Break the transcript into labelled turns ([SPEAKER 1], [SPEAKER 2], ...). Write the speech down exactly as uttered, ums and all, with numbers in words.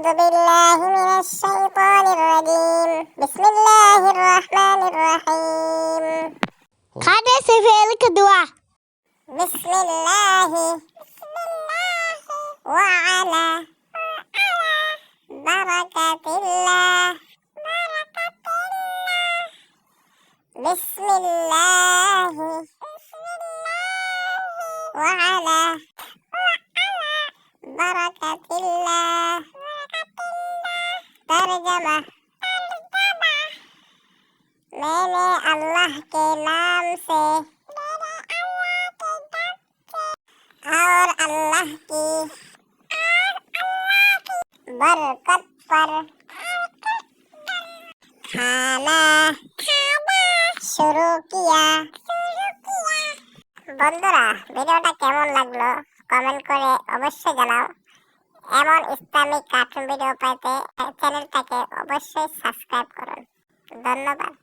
[SPEAKER 1] بالله من الشيطان الرجيم بسم الله الرحمن الرحيم.
[SPEAKER 2] Kada sefer kedua.
[SPEAKER 1] بسم الله وعلى بركة الله. بسم الله وعلى بركة الله. ترجمة: मैंने अल्लाह के नाम से और अल्लाह की बरकत पर खाना शुरू किया। বন্ধুরা, ভিডিওটা কেমন লাগলো কমেন্ট করে অবশ্যই জানাও। এমন ইসলামিক কার্টুন ভিডিও পেতে চ্যানেলটাকে অবশ্যই সাবস্ক্রাইব করুন। ধন্যবাদ।